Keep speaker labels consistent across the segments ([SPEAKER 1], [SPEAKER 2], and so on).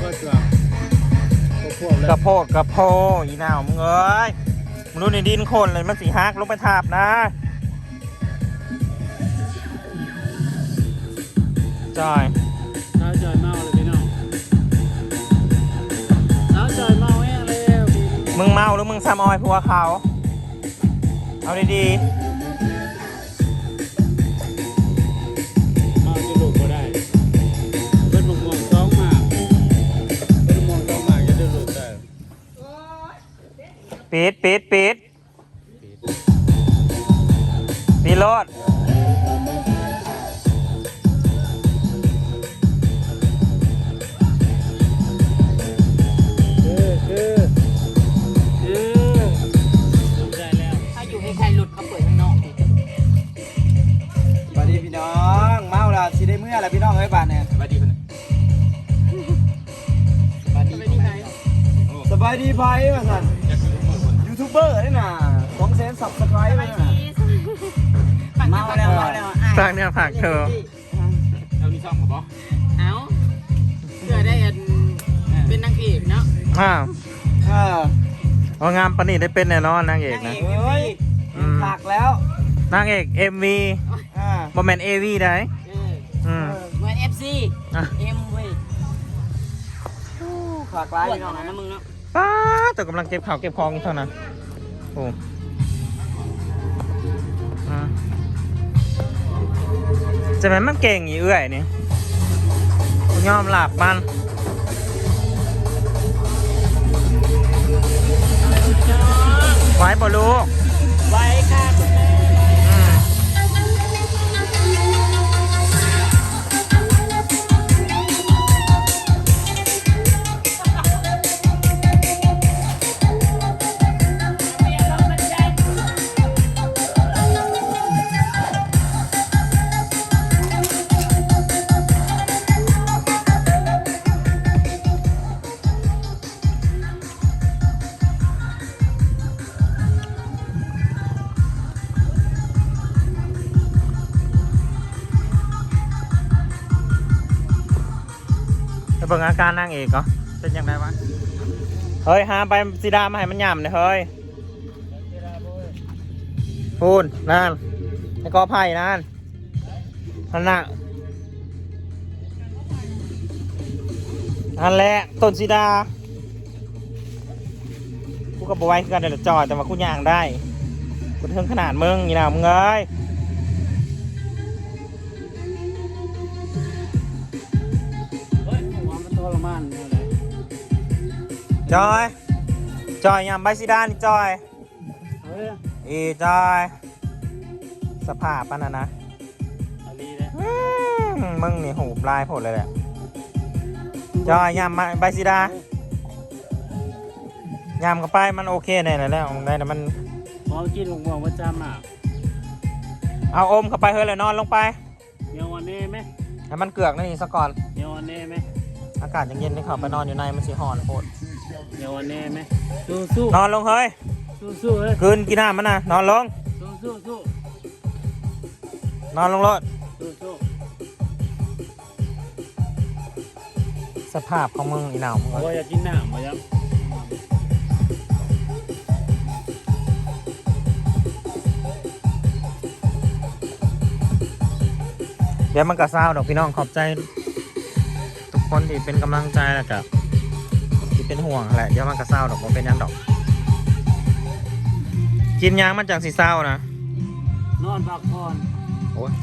[SPEAKER 1] ก็จะกระโพดกระโพอีหนาวมึงเอ้ยมึงรู้ในดินคนเลยมันสีฮักลงไปทาบนะจอยน้าจอยเมาเลยพี่น้องน้าจอยเมาแห้งเลยมึงเมาหรือมึงซ้ำออยผัวเขาเอาดีๆเมาจะลุกก็ได้เป็นมองท้องมากเป็นมองท้องมากจะได้ลุกได้ปิดรถ
[SPEAKER 2] อะไรพี่น้องเอ้ยบ้านเนี่ยสบายดีสบายดีไพ่มาสั่นยูทูบเบอร์นี่น่ะ200,000 ซับสไครต์เลยน่ะเมาแล้ว
[SPEAKER 1] สร้างเนี่ยผักเธอ
[SPEAKER 3] เอานี่ซ่อมกับบอเอาเพื่อได้เป็นนางเอกเนาะ
[SPEAKER 1] เอางามปนิได้เป็นแน่นอนนางเอกนะ
[SPEAKER 2] เฮ้ยผักแล้ว
[SPEAKER 1] นางเอก MV บอมแมน AV ได้
[SPEAKER 3] เหมือน FC เว้ย
[SPEAKER 2] ฝากไลน์น้องนะ
[SPEAKER 3] มึงเนาะ
[SPEAKER 1] ป้าแต่กำลังเก็บข่าวเก็บของเท่านั้นโอ้จะเป็นมันเก่งอีเอื่อยนี่ยอมหลับมันไว้บ่ลูก
[SPEAKER 3] ไว้ค่ะคุณแม่
[SPEAKER 1] เบิ่งอาการนางเอกเหรอเป็นยังไงวะเฮ้ยหาไปสีดามาให้มันหย่ำเลยเฮ้ยพูนนั่นไอ้กอไผ่นั่นน่ะอันแหละต้นสีดากูก็บอกไว้คือกันเดี๋ยวจอดแต่ว่ากูย่างได้กูถึงขนาดมึงนี่นะมึงเอ้ยจอยยำใบซีดานี่จอยจอยสภาพปะนะมึงนี่หูปลายผดเลยแหละจอยยำใบซีดายำกับไปมันโอเคแน่แล้วได้แต่มัน
[SPEAKER 2] มองกินหวงว่าจำอ่ะ
[SPEAKER 1] เอาอมเข้าไปเฮ้ยเลยนอนลงไป
[SPEAKER 2] เดี๋ยววันนี้ไหม
[SPEAKER 1] ให้มันเกือกนี่ซะก่อน
[SPEAKER 2] เดี๋ยววันนี้ไหม
[SPEAKER 1] อากาศยังเย็นเลยครับไปนอนอยู่ในมันสีหอนโคตร
[SPEAKER 2] เดี๋ยววันนี้ไหมสู้
[SPEAKER 1] นอนลงเฮ้ย
[SPEAKER 2] สู้เฮ้ย
[SPEAKER 1] คืนกินน้ำมันนะนอนลง
[SPEAKER 2] สู้
[SPEAKER 1] นอนลงรถสภาพของมึงอีหนาวมึง
[SPEAKER 2] ว่าอยากกินน้ำมาครับ
[SPEAKER 1] เดี๋ยวมันก็เศร้าดอกพี่น้องขอบใจทุกคนที่เป็นกำลังใจแล้วกับที่เป็นห่วงแหละเดี๋ยวมันก็เศร้าดอกมันเป็นยังดอกกินยางมันจากสีเศร้านะ
[SPEAKER 2] นอนพักผ่อน
[SPEAKER 1] โอ้ย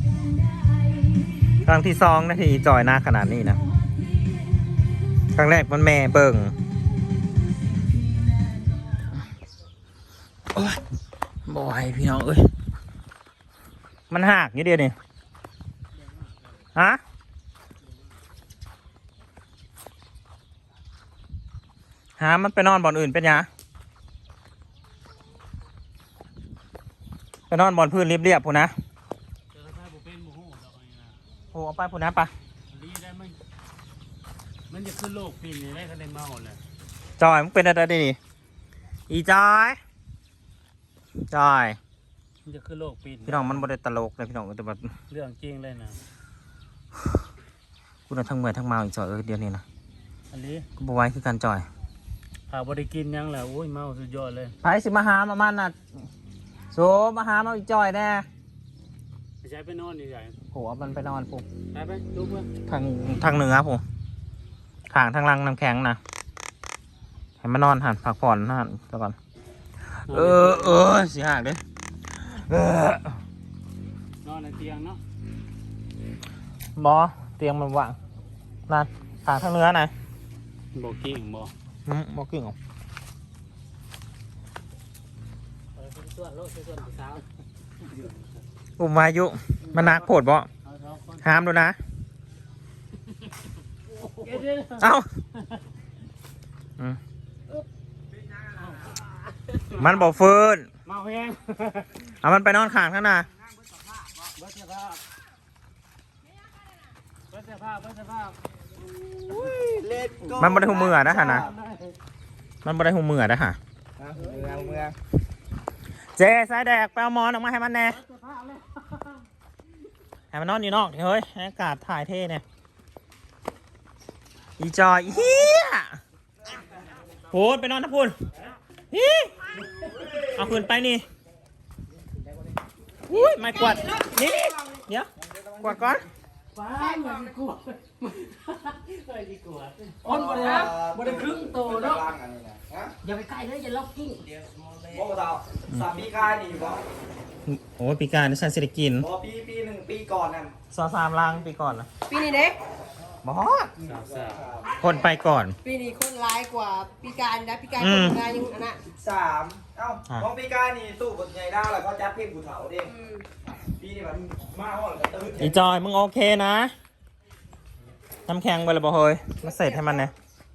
[SPEAKER 1] ครั้งที่2นาทีจอยหน้าขนาดนี้นะครั้งแรกมันแม่เบิ่งโอ้ยบ่อยพี่น้องเอ้ยมันหักนิดเดียวนี่ฮะมันไปนอนบ่อนอื่นเป็นยังไปนอนบ่อนพื้นเรียบๆพูนะโอ้เอาไปพูนะปะ
[SPEAKER 2] มันจะขึ้นโลกปีนี้ได้คะแนนเมาเลย
[SPEAKER 1] จอยมันเป็นอะไรดีอีจอย
[SPEAKER 2] มันจะขึ้นโลกปี
[SPEAKER 1] พี่น้องมันบ่ได้ตลกเลยพี่น้องแต่แบบ
[SPEAKER 2] เรื่องจริงเลยนะ
[SPEAKER 1] กูน่ะทั้งเมื่อยทั้งเมาอีกจอยเดียวนี้นะ
[SPEAKER 3] อันนี้
[SPEAKER 1] กูบไหว้คือการจ่อย
[SPEAKER 3] หาบ่ได้กินยังแหละโอ้ยเมาสุดยอดเลย
[SPEAKER 1] ไปสิมาหามามันน่ะโซมาหามาอีจ่อยแน่
[SPEAKER 3] ไปใช้ไปนอนนี่ใหญ่
[SPEAKER 1] โหเอามันไปนอนปุ๊บ
[SPEAKER 3] ไปดูเพื่อน
[SPEAKER 1] ทางเหนือผมทางลังน้ำแข็งนะให้มานอนหันพักผ่อนหันแล้วก่อนสิหักเด้อน
[SPEAKER 3] อนในเตียงเนาะ
[SPEAKER 1] บอเตียงมันว่างนั่นทางเหนือนะ
[SPEAKER 3] บ่กิ้งบ่
[SPEAKER 1] บอกกิ่งออก
[SPEAKER 3] ส่วนโลกส่วนผู้สาว
[SPEAKER 1] อุ้มวายุมันนักโผดบ่ห้ามดูนะเอ้ามันบอกฟืน
[SPEAKER 3] เมาแห้ง
[SPEAKER 1] เอามันไปนอนข้างข้างหน้า
[SPEAKER 3] เบิดเสื้อผ้าเบิดเสื้อผ้า
[SPEAKER 1] มันบ่ได้หูมือนะฮะนะมันบ่ได้หูมือนะฮะเมื่อเจ๊สายแดกไปเอาหมอนออกมาให้มันแน่ให้มันนอนอยู่นอกเฮ้ยให้อากาศถ่ายเท่เนี่ยอีจอยเฮียพูดไปนอนนะพูดฮีเอาคืนไปนี่อุ้ยไม่กวาดนี่เดี๋ยวกวาดก่อน
[SPEAKER 3] ฟ้าเหมือนกลัวเคยดีกลัว
[SPEAKER 2] อ้นบ่ได้ครึ่งโตเนาะ
[SPEAKER 4] อย่าไปใกล้เลยอย่าล็อกกิ้ง
[SPEAKER 2] บ่เท่าสามปีกายนี่บ่
[SPEAKER 1] โอ้ยปีการนี่ฉันสิได้กิน
[SPEAKER 2] บ่ปีหนึ่งปีก่อนนั่น
[SPEAKER 1] 3 ลังปีก่อนนะ
[SPEAKER 4] ปีนี้เด็ก
[SPEAKER 1] บอสคนไปก่อน
[SPEAKER 4] ปีนี้คนร้ายกว่าปีการนะปีการคนงานยังอันน่ะ
[SPEAKER 2] 3ของปีกายนี่ตู้บนใหญ่ดาวแล้วเขาจัดเพลงผู้เฒ่าเด้ปีนี้มันมาฮอดกระตื้อ
[SPEAKER 1] อีจอยมึงโอเคนะน้ำแข็งไปเลยบ่เฮ้ยมาเสร็จให้มันเนี่ย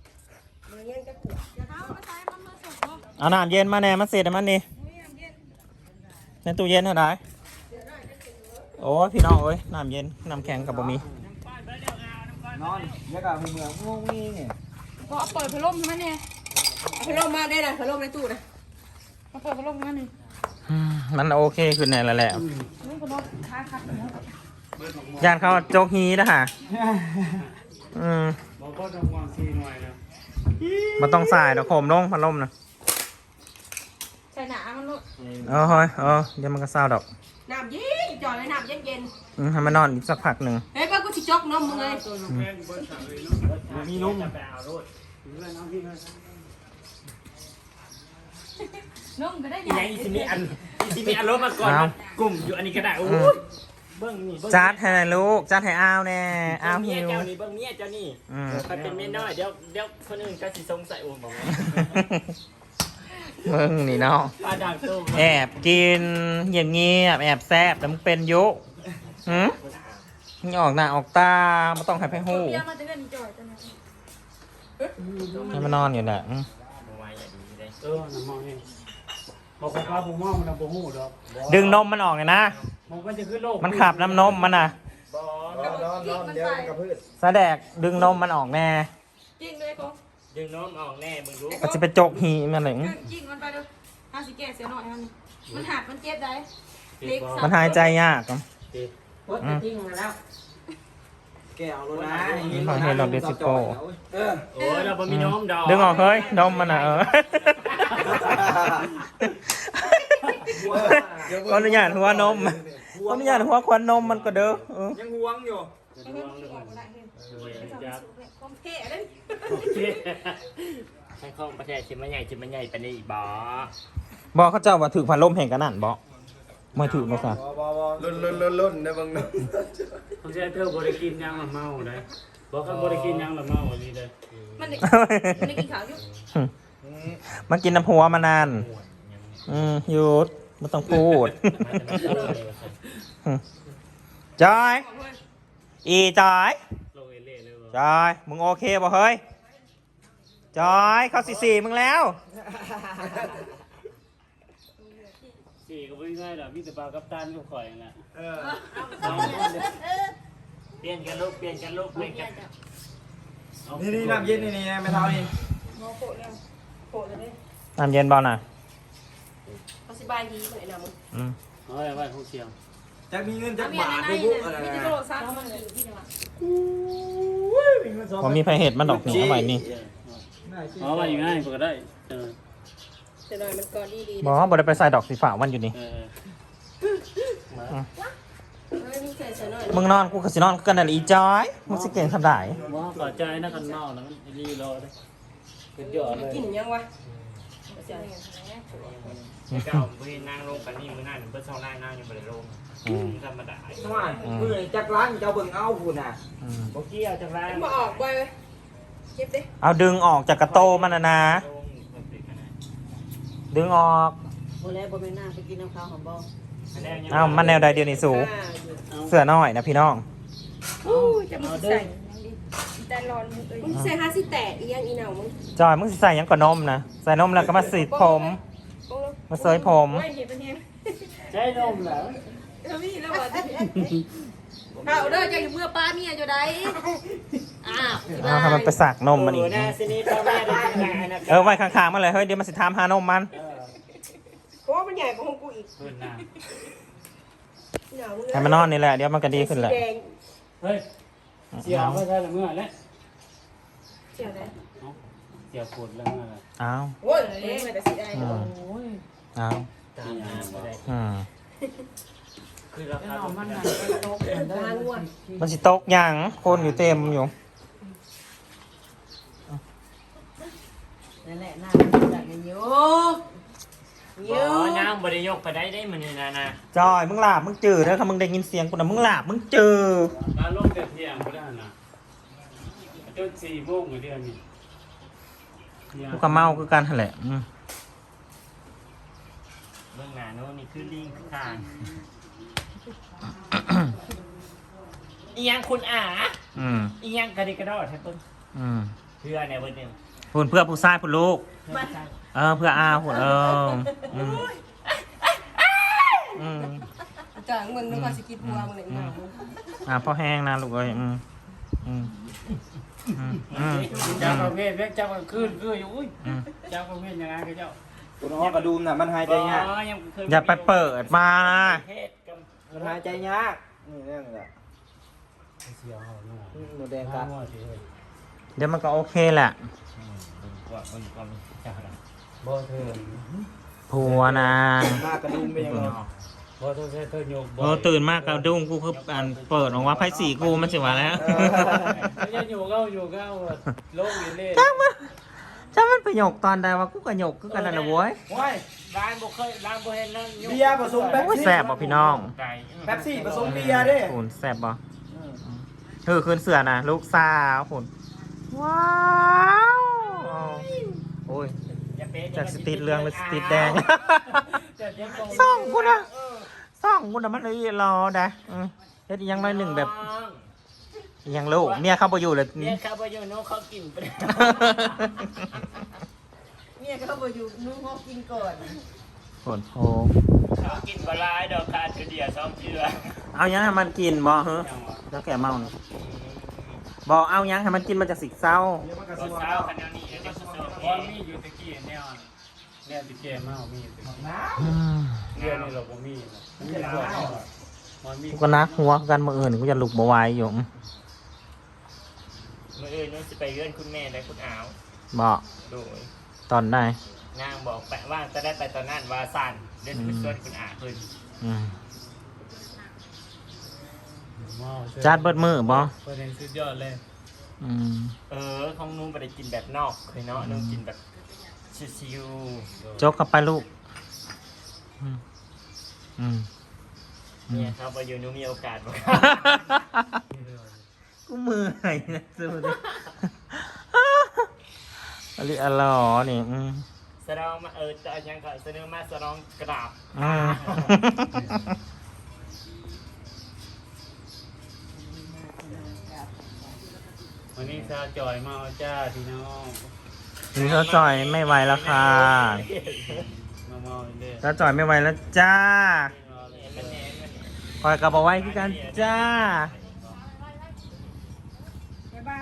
[SPEAKER 1] เอาน้ำเย็นมาแน่มาเสร็จให้มันนี่ในตู้เย็นเท่าไหร่โอ้ยพี่น้องเอ้ยน้ำเย็นน้ำแข็งกับบะหมี่
[SPEAKER 2] นอนแล้วก็เมืองงงงี้นี่
[SPEAKER 4] ก็เอาเปิดพัดลมใช่ไหมเนี่ยเอาพัดลมมาได้นะพัดลมในตู้นะมาเปิดพัดลมมาหนึ่ง
[SPEAKER 1] มันโอเคขึ้นแน่แล้วแหละ
[SPEAKER 4] นี่พัดลมค้าคัด
[SPEAKER 1] ยานเขาโจกฮีนะฮะ
[SPEAKER 3] บอกก็ต้องวางซีหน่อยนะ
[SPEAKER 1] มันต้องใส่ดอกโคมลงพัดลมนะ
[SPEAKER 4] ใส่หนามันลูก
[SPEAKER 1] เฮ้ยเดี๋ยวมันก็เศร้าดอก
[SPEAKER 4] น้ำเย็นจ่อยเลยน้ำเย็นเย็น
[SPEAKER 1] ให้มันนอนอีกสักพักหนึ่ง
[SPEAKER 4] เฮ้ยป้ากูชิจกนมมึงเลย
[SPEAKER 3] มีนุ่มจะไปเอารถ
[SPEAKER 4] นมก็ได้
[SPEAKER 3] อี
[SPEAKER 4] ใหญ่
[SPEAKER 3] อีสิมีอันรถมาก่อนกลุ่มอยู่อันนี้ก็ได้โอ้ยเบิ้งนี่
[SPEAKER 1] จัดให้ลูกจัดให้อ้าวแน่อ้าวหิว
[SPEAKER 3] เจ้านี่เบิ้งเนี่ยเจ้านี่ใครเป็นเมียน้อยเดี๋ยวคนอื่นก็สิสงสัยโอ้บอกว่า
[SPEAKER 1] มึงนี่เนาะ
[SPEAKER 3] ปลาด่างตุ้ม
[SPEAKER 1] แอบกินเงียบเงียบแอบแซบแต่มึงเป็นยุมึงออกหน้าออกตาไม่ต้องให้ไพ่หู
[SPEAKER 4] เบี้ยมาจะเงินจ่อยจังเลย
[SPEAKER 1] ให้มันนอนอยู่แหละ
[SPEAKER 3] น้ำมองเองบอกว่าผมมองมันบ่หูดอก
[SPEAKER 1] ดึงนมมันออกเลยนะ
[SPEAKER 3] มันจะขึ้นโลก
[SPEAKER 1] มันขับน้ำนมมันน่ะ
[SPEAKER 2] นอนเดี๋ยวมันกระพืช
[SPEAKER 1] แสดกดึงนมมันออกแน่
[SPEAKER 4] จริงเลยกู
[SPEAKER 3] ดึงน้องออกแน่มึงรู้
[SPEAKER 1] ก็จะไปโจกหีมันหนึ่ง
[SPEAKER 4] จริงมันไปดูห้าสิแก่เสียหน่อยมันหักมันเจ็บได้เล็ก
[SPEAKER 1] มันหายใจยาก
[SPEAKER 4] จริงแล้ว
[SPEAKER 2] แกเอารถนะ
[SPEAKER 1] ขอเห็นเราดิสิโก้
[SPEAKER 3] โอ้ยเราบ่มีน้องดอก
[SPEAKER 1] ดึงออกเฮ้ยนมมันน่ะขออนุญาตหัวนมขออนุญาตหัวควันนมมันก็เด้อ
[SPEAKER 2] ยังห่วงอยู่
[SPEAKER 4] ความเท่เลย
[SPEAKER 3] ให้ข้องประเทศชิมมันใหญ่ไปนี่บ่
[SPEAKER 1] บอกเขาเจ้าว่าถือพันลมแห่งกันนั่นบอกมาถือมาซะ
[SPEAKER 2] ลุ่นนะบังนะ
[SPEAKER 3] เขาจะเธอบริกินยังละเมาเลยบอกเขาบริกินยังละเมาอันนี้เลย
[SPEAKER 4] มันได้กินข้าวอยู่
[SPEAKER 1] มากินน้ำหัวมานานหยุดไม่ต้องพูดจอยอีจอย
[SPEAKER 3] โลเอเล่เลย
[SPEAKER 1] จอยมึงโอเคป่ะเฮ้ยจอยเข้าสี่มึงแล้ว
[SPEAKER 3] สี่ก็ไม่ง่ายหรอกพี่แต่ปลากัปตันก็ข่อยนะเปลี่ยนกันลูกเปลี่ยนกัน
[SPEAKER 2] นี่น้ำเย็นนี่ไม่เท่านี่
[SPEAKER 4] โมโผล่เลยโผล่เลย
[SPEAKER 1] น้ำเย็นบอลน่ะ
[SPEAKER 4] เขาสบายดีเหมือนน้ำ
[SPEAKER 3] เฮ้ยไว้ห้องเชียว
[SPEAKER 2] จะมีเงินจะ
[SPEAKER 4] มี
[SPEAKER 2] บา
[SPEAKER 4] อะไร
[SPEAKER 2] ท
[SPEAKER 4] ใน
[SPEAKER 2] ทุก
[SPEAKER 4] มีที่โทรศัพท์มันอยู่ที่ไหนวะ
[SPEAKER 2] มีเงิน
[SPEAKER 1] พอมีไผเห็ดมันดอกนี่เอาไว้นี่
[SPEAKER 3] อ๋อมาอยู่ง่ายกว่าก็ได้เออ
[SPEAKER 4] จะหน่อยมันก่อนดี
[SPEAKER 1] บอกว่าบ่ได้ไปใส่ดอกสีฟ้าวันอยู่นี่
[SPEAKER 3] เออ
[SPEAKER 4] ไม่มีใส่ใส่หน่อย
[SPEAKER 1] มึงนอนกูก็สินอนกันนั่นแหละอีจอยมึงสิเก่งทำได้
[SPEAKER 3] ว่าขอใจนะกันเมานะมันรีรอได้เป็นยอดเลย
[SPEAKER 4] กินยังวะ
[SPEAKER 3] เก่าเพื่อนนั่งลงกันนี่มือหน้าหนึ่งเพื่อนเช่าหน้านั่งอยู่บริโภคธรรมดา
[SPEAKER 2] ว่ามือจักร้านเจ้าเบิ่งเอาพุ่นน่ะ
[SPEAKER 3] โบกี้เอาจากร้าน
[SPEAKER 4] มาออกไปเก็บดิ
[SPEAKER 1] เอาดึงออกจากกระโตมันนะ ดึงออก
[SPEAKER 5] โบแล้วโบไม่น่าไปกินน้ำข้าวของบ่
[SPEAKER 1] เอามันแนวใดเดียวนี่สูเสื้อน้อยนะพี่น้อง
[SPEAKER 4] จะมึงใส่แต่ร้อนมึงใส่ห้าสิแตะอียังอีเหนามึง
[SPEAKER 1] จอยมึงสิใส่หยังก่อนนมนะใส่นมแล้วก็มาสีดผม มาเสยผม
[SPEAKER 4] ไม่เห็นเป็นยัง
[SPEAKER 3] ใช่นมเหรอ
[SPEAKER 4] พี่แล้วว่าเอาเด้อจะอยู่เมื่อป้าเมียจะได้อ้าว
[SPEAKER 1] เอาให้มันไปสักนมมันอีก
[SPEAKER 3] นะสินี่พ่อแม่ได้กินงานนะ
[SPEAKER 1] ไว้ข้างๆมันเลยเฮ้ยเดี๋ยวมันสิถามหานมมัน
[SPEAKER 4] เพราะว่ามันใหญ่กว่าของกูอีก
[SPEAKER 3] เพื่อนนะ
[SPEAKER 4] เหนา
[SPEAKER 1] ให้มันนอนนี่แหละเดี๋ยวมันก็ดีขึ้นแหละ
[SPEAKER 3] เฮ้ยเสียวไม่ใช่ละเมื่อแล้ว
[SPEAKER 4] เสียวได้
[SPEAKER 3] เสียวปวดแล้วเมื่อ
[SPEAKER 1] เอา
[SPEAKER 4] โอ้ยเลยแต่สิได้
[SPEAKER 1] เอา
[SPEAKER 3] คือราคา
[SPEAKER 5] มันน่ะโต๊ะ
[SPEAKER 4] ทางวัว
[SPEAKER 1] มันสิตกหยังคนอยู่เต็มอยู่
[SPEAKER 5] นั่นแหละน่าจักกันอยู่
[SPEAKER 3] อ๋อนางบริยกไปได้มันนี่นะ
[SPEAKER 1] จอยมึงหลาบมึงจืดแล้วถ้ามึงได้ยินเสียงกูนะมึงหลาบมึงจืด
[SPEAKER 3] มาลงแต่เที่ยงก็ได้นะจน4 โมงเดือนนี้
[SPEAKER 1] กูก็เมาคือกันหั่นแหละ
[SPEAKER 3] เบื้องหน้าโน้นนี่คือลิงทางอียังคุณอาอียังกระดิกกระดอดแท้ต้นเพื่อเนี่ยเพื่อนเนี่ย
[SPEAKER 1] พูนเพื่อผู้ชายผู้ลูกเพื่ออาหุ่น
[SPEAKER 4] จางมึงนึกว่าสกิดหัวมึงเลยมา
[SPEAKER 1] พ่อแห้งนะลูกเอ้ย
[SPEAKER 3] เจ้าประเภทเจ้าประคืนคืออยู่เจ้าประเภทยังไงก็เจ้า
[SPEAKER 2] ตัวน้องกระดุมน่ะมันหายใจยาก
[SPEAKER 1] อย่าไปเปิดมานะ
[SPEAKER 2] มันหายใจยากนี่เรื่องแหละ
[SPEAKER 3] เสียวเขาเนาะ
[SPEAKER 2] หนูแดงกัด
[SPEAKER 1] เดี๋ยวมันก็โอเคแหละ
[SPEAKER 3] บ่เธอ
[SPEAKER 1] ผัวนาง
[SPEAKER 2] หน้ากระดุมเป็นยังไง
[SPEAKER 3] บ่เธอเธอโยก
[SPEAKER 1] ตื่นมากกระดุ้งกูคือเปิดออกว่าไพ่สีกูมันสิวะแล้ว
[SPEAKER 3] ยังอยู่เก้าโลกอยู่เล่
[SPEAKER 1] ถ้ามันไปหยกตอนใดวะกูก็หยกคือกันนั่นนะเว้ย
[SPEAKER 2] โอ้ย
[SPEAKER 3] ร้านบ่เคยร้านบ่เห็นนั่ง
[SPEAKER 2] เบียร์ผสมแป๊บ
[SPEAKER 1] โอ้ย
[SPEAKER 2] ซี่
[SPEAKER 1] แซ่บบ่พี่น้อง
[SPEAKER 2] แป๊บซี่ผสมเบียร์เด้
[SPEAKER 1] หุ่นแซ่บบ่คืนเสือนะลูกสาวหุ่นว้าวโอ้ยจากสติดเรื่องเป็นสติดแดงส่องกูนะมันเลยรอได้เฮ็ดยังน้อยหนึ่งแบบยังลูกเมียเข้าไปอยู่เลย
[SPEAKER 3] เนี่ยครับว่าอยู่โน้เขากินไป
[SPEAKER 5] เมียก็บ่อยู่นุ่งฮอกกินก่อน
[SPEAKER 1] ฝนโพ
[SPEAKER 3] เขากินปลาดอกคาเดียวซ้อมเชื่อ
[SPEAKER 1] เอายังให้มันกินบ่เฮ้แล้วแกเมาเนี่ยบอกเอายังให้มันกินมาจากสิกเศร้า
[SPEAKER 3] ตอนเช้าคันนี้เดี๋ยวจะเสิร์ฟพอมีอยู่ตะกี้แนวเนี่ยตะกี้มามีเดือนนี้เราบ่มีมันมี
[SPEAKER 1] กูก็นักหัวกันมาอื่นกูจะลุกบ่ไหวอยู่
[SPEAKER 3] มื้ออื่นนู้นสิไปเยื่อนคุณแม่และคุณอาว
[SPEAKER 1] บอก
[SPEAKER 3] โดย
[SPEAKER 1] ตอนได้
[SPEAKER 3] นางบอกแปะว่าจะได้ไปตอนนั้นว่าสั่นเดินขึ้นส่วนคุณอาขึ้น
[SPEAKER 1] จัดเบิดมือบ่
[SPEAKER 3] ประเด็นสุดยอดเลย ของนุ่มไปได้กินแบบนอกเคยเนาะนุ่มกินแบบชิว
[SPEAKER 1] จกเข้าไปลูก
[SPEAKER 3] เนี่ยครับว่าอยู่นุ่มมีโอกาสบ่
[SPEAKER 1] กูมือไหนนะสุดอะไรอะไรนี่
[SPEAKER 3] แสดงมาจะยังก็แสดงมาแสดงกราบวันนี้ซาจอยมาจ้าพี่น้อง
[SPEAKER 1] นี่เขาจ่อยไม่ไหวแล้วค่ะ
[SPEAKER 3] มาเด้อ
[SPEAKER 1] เขาจ่อยไม่ไหวแล้วจ้าคอยกลับมาไว้คือกันจ้า
[SPEAKER 4] บ๊ายบาย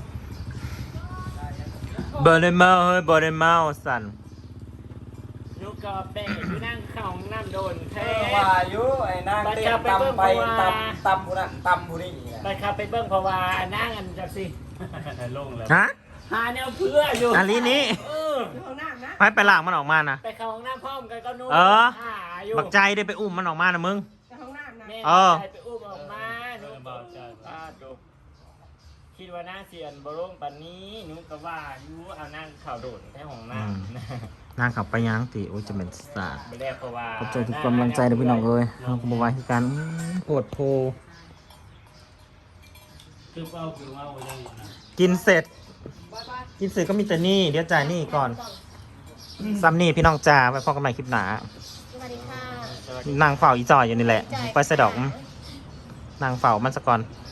[SPEAKER 1] บอดเมาเฮ้ยบอดเมาสั่น
[SPEAKER 3] ลูกกอบแดงอยู่นั่งเข้าห้องน้ำโดนแท้
[SPEAKER 2] ว่าอยู่ไอ้นางเต้นตำไปตำผู้นั้นตำผู้นี้
[SPEAKER 3] ไปครับไปเบิ้งเพราะว่านั่งกันจักสิลงแล้ว
[SPEAKER 1] ฮะ
[SPEAKER 3] หาแนวเพื่ออยู่
[SPEAKER 1] อันนี้นี่
[SPEAKER 3] เออ
[SPEAKER 4] อยู่ห้องน้ำนะ
[SPEAKER 1] ไปลากมันออกมานะ
[SPEAKER 3] ไปเข้าห้องน้ำพร้อมกันก็นู่น
[SPEAKER 1] เออ
[SPEAKER 3] หาอยู่
[SPEAKER 1] บักใจได้ไปอุ้มมันออกมานะมึง
[SPEAKER 4] ในห้องน้ำนะ
[SPEAKER 3] แม่
[SPEAKER 1] เออ
[SPEAKER 3] ไปอุ้มออกมาหนูดูคิดว่านั่งเสียนบร่งปันนี้หนูก็ว่าอยู่เอานั่งเข่าโดดแค่ห้องน้ำ
[SPEAKER 1] นางขับไปย่างติโอ้ยจะเป็นสาด
[SPEAKER 3] ไม่ได้เพราะว่า
[SPEAKER 1] ขอบใจทุกกำลังใจนะพี่น้องเอ้ยเราก็บอกว่าคือการโหดโพ
[SPEAKER 3] คือเอาได้นะ
[SPEAKER 1] กินเสร็จ กินเสร็จก็มีแต่นี่เดี๋ยวจ่ายนี่ก่อนซ้ำนี่พี่น้องจ่าไปพอกันใหม่คลิปหนา
[SPEAKER 4] สวัสดีค่ะ
[SPEAKER 1] นางเฝ้าอีจอยอยู่นี่แหละไปสะดอกนางเฝ้ามันสะก่อน
[SPEAKER 4] ค